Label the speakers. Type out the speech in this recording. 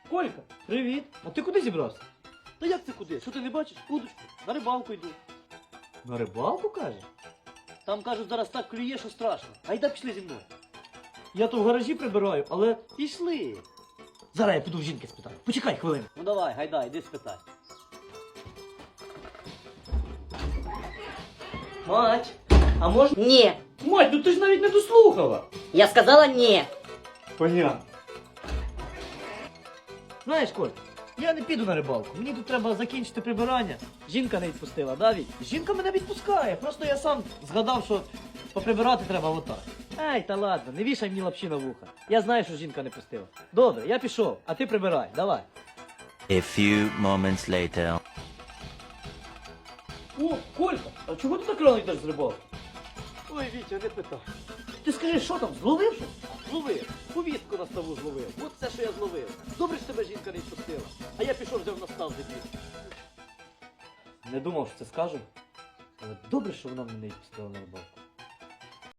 Speaker 1: Колька, привіт. А ти куди зібрався?
Speaker 2: Та як це куди? Що ти не бачиш? Удочку. На рибалку йду.
Speaker 1: На рибалку, кажеш?
Speaker 2: Там, кажуть, зараз так клює, що страшно. Айда пішли зі мною.
Speaker 1: Я то в гаражі прибираю, але
Speaker 2: Пішли.
Speaker 1: зараз я піду в жінки спитаю. Почекай хвилину.
Speaker 2: Ну давай, гайда, йди спитай.
Speaker 1: Мать, а можна...
Speaker 3: Не.
Speaker 1: Мать, ну ти ж навіть не дослухала.
Speaker 3: Я сказала не.
Speaker 1: Понятно. Знаєш, Коль, я не піду на рибалку. Мені тут треба закінчити прибирання. Жінка не відпустила, да, Віть? Жінка мене відпускає. Просто я сам згадав, що поприбирати треба отак. Ей, та ладно, не вішай мені лапші на вуха. Я знаю, що жінка не пустила. Добре, я пішов, а ти прибирай, давай.
Speaker 4: A few moments later.
Speaker 1: О, Колька, а чого ти так рано йдеш з рибалки?
Speaker 2: Ой, Вітя, не питай.
Speaker 1: Ти скажи, що там, зловив щось?
Speaker 2: Зловив. Повістку на ставу зловив. От все, що я зловив. Добре, що тебе жінка не відпустила. А я пішов, взяв на став дебіл.
Speaker 1: Не думав, що це скажу. Але добре, що вона мене не відпустила на рибалку.